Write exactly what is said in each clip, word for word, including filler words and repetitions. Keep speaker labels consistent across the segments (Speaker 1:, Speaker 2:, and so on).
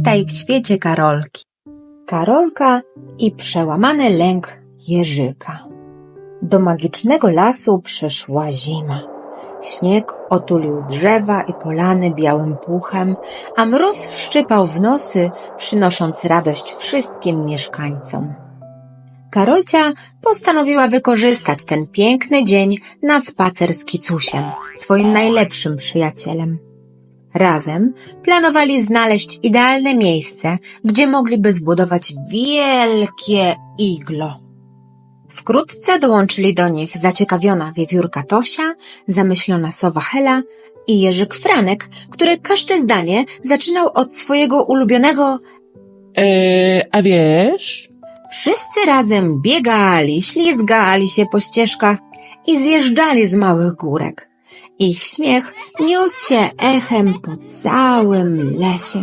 Speaker 1: Witaj w świecie Karolki. Karolka i przełamany lęk Jerzyka. Do magicznego lasu przyszła zima. Śnieg otulił drzewa i polany białym puchem, a mróz szczypał w nosy, przynosząc radość wszystkim mieszkańcom. Karolcia postanowiła wykorzystać ten piękny dzień na spacer z Kicusiem, swoim najlepszym przyjacielem. Razem planowali znaleźć idealne miejsce, gdzie mogliby zbudować wielkie iglo. Wkrótce dołączyli do nich zaciekawiona wiewiórka Tosia, zamyślona sowa Hela i Jerzyk Franek, który każde zdanie zaczynał od swojego ulubionego
Speaker 2: Eee, a wiesz?
Speaker 1: Wszyscy razem biegali, ślizgali się po ścieżkach i zjeżdżali z małych górek. Ich śmiech niósł się echem po całym lesie.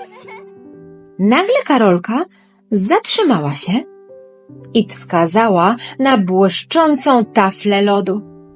Speaker 1: Nagle Karolka zatrzymała się i wskazała na błyszczącą taflę lodu.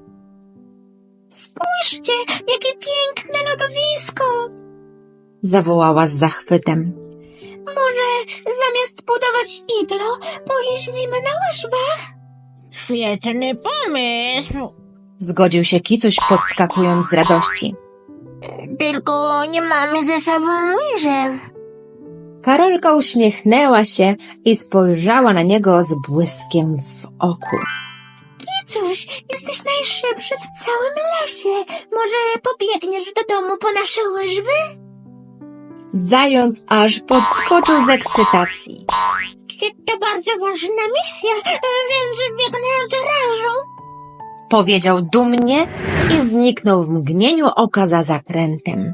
Speaker 1: Spójrzcie, jakie piękne lodowisko! Zawołała z zachwytem. Może zamiast budować iglo, pojeździmy na łyżwach?
Speaker 3: Świetny pomysł.
Speaker 1: Zgodził się Kicuś, podskakując z radości.
Speaker 3: Tylko nie mamy ze sobą łyżew.
Speaker 1: Karolka uśmiechnęła się i spojrzała na niego z błyskiem w oku.
Speaker 3: Kicuś, jesteś najszybszy w całym lesie. Może pobiegniesz do domu po nasze łyżwy?
Speaker 1: Zając aż podskoczył z ekscytacji.
Speaker 3: To bardzo ważna misja, więc biegnę od razu.
Speaker 1: Powiedział dumnie i zniknął w mgnieniu oka za zakrętem.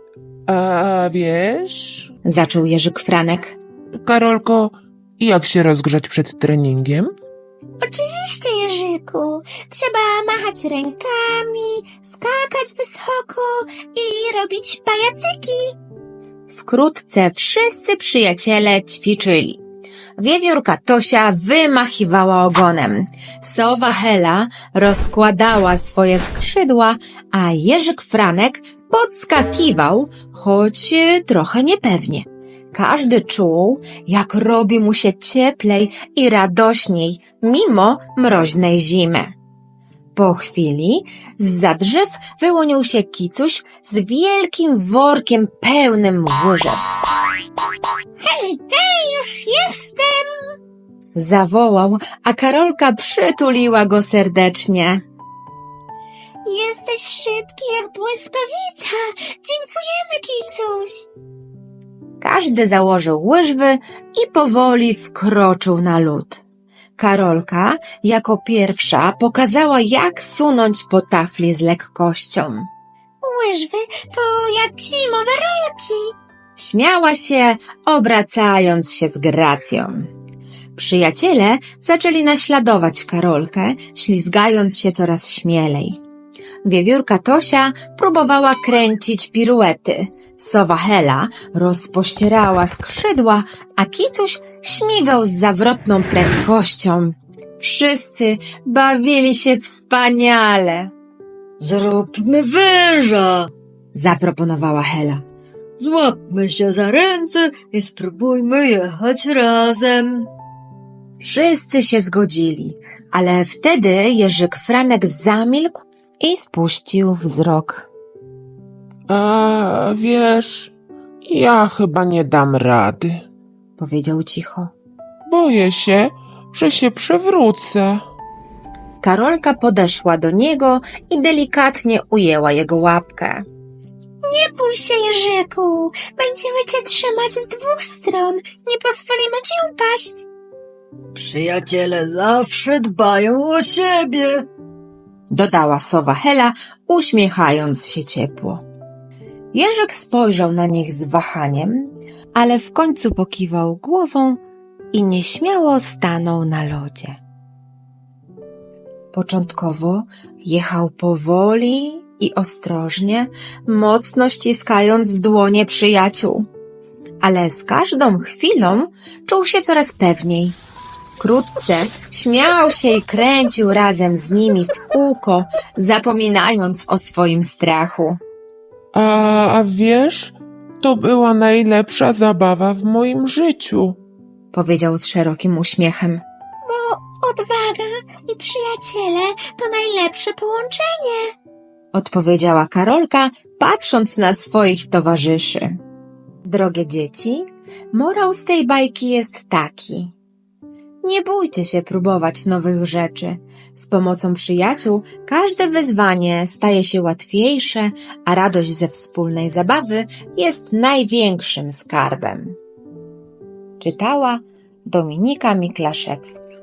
Speaker 2: A wiesz?
Speaker 1: Zaczął Jerzyk Franek.
Speaker 2: Karolko, jak się rozgrzać przed treningiem?
Speaker 3: Oczywiście, Jerzyku. Trzeba machać rękami, skakać wysoko i robić pajacyki.
Speaker 1: Wkrótce wszyscy przyjaciele ćwiczyli. Wiewiórka Tosia wymachiwała ogonem. Sowa Hela rozkładała swoje skrzydła, a Jerzyk Franek podskakiwał, choć trochę niepewnie. Każdy czuł, jak robi mu się cieplej i radośniej, mimo mroźnej zimy. Po chwili zza drzew wyłonił się Kicuś z wielkim workiem pełnym łyżew.
Speaker 3: Hej, hej, już jestem!
Speaker 1: Zawołał, a Karolka przytuliła go serdecznie.
Speaker 3: Jesteś szybki jak błyskawica. Dziękujemy, Kicuś.
Speaker 1: Każdy założył łyżwy i powoli wkroczył na lód. Karolka jako pierwsza pokazała, jak sunąć po tafli z lekkością.
Speaker 3: Łyżwy to jak zimowe rolki.
Speaker 1: Śmiała się, obracając się z gracją. Przyjaciele zaczęli naśladować Karolkę, ślizgając się coraz śmielej. Wiewiórka Tosia próbowała kręcić piruety. Sowa Hela rozpościerała skrzydła, a Kicuś śmigał z zawrotną prędkością. Wszyscy bawili się wspaniale.
Speaker 4: Zróbmy węża,
Speaker 1: Zaproponowała Hela.
Speaker 4: złapmy się za ręce i spróbujmy jechać razem.
Speaker 1: Wszyscy się zgodzili, ale wtedy Jerzyk Franek zamilkł i spuścił wzrok.
Speaker 2: A wiesz, ja chyba nie dam rady.
Speaker 1: Powiedział cicho.
Speaker 2: Boję się, że się przewrócę.
Speaker 1: Karolka podeszła do niego i delikatnie ujęła jego łapkę.
Speaker 3: Nie bój się, Jerzyku. Będziemy cię trzymać z dwóch stron. Nie pozwolimy ci upaść.
Speaker 4: Przyjaciele zawsze dbają o siebie.
Speaker 1: Dodała sowa Hela, uśmiechając się ciepło. Jerzyk spojrzał na nich z wahaniem, ale w końcu pokiwał głową i nieśmiało stanął na lodzie. Początkowo jechał powoli i ostrożnie, mocno ściskając dłonie przyjaciół. Ale z każdą chwilą czuł się coraz pewniej. Wkrótce śmiał się i kręcił razem z nimi w kółko, zapominając o swoim strachu.
Speaker 2: A, a wiesz, To była najlepsza zabawa w moim życiu.
Speaker 1: powiedział z szerokim uśmiechem.
Speaker 3: Bo odwaga i przyjaciele to najlepsze połączenie.
Speaker 1: Odpowiedziała Karolka, patrząc na swoich towarzyszy. Drogie dzieci, morał z tej bajki jest taki. Nie bójcie się próbować nowych rzeczy. Z pomocą przyjaciół każde wyzwanie staje się łatwiejsze, a radość ze wspólnej zabawy jest największym skarbem. Czytała Dominika Miklaszewska.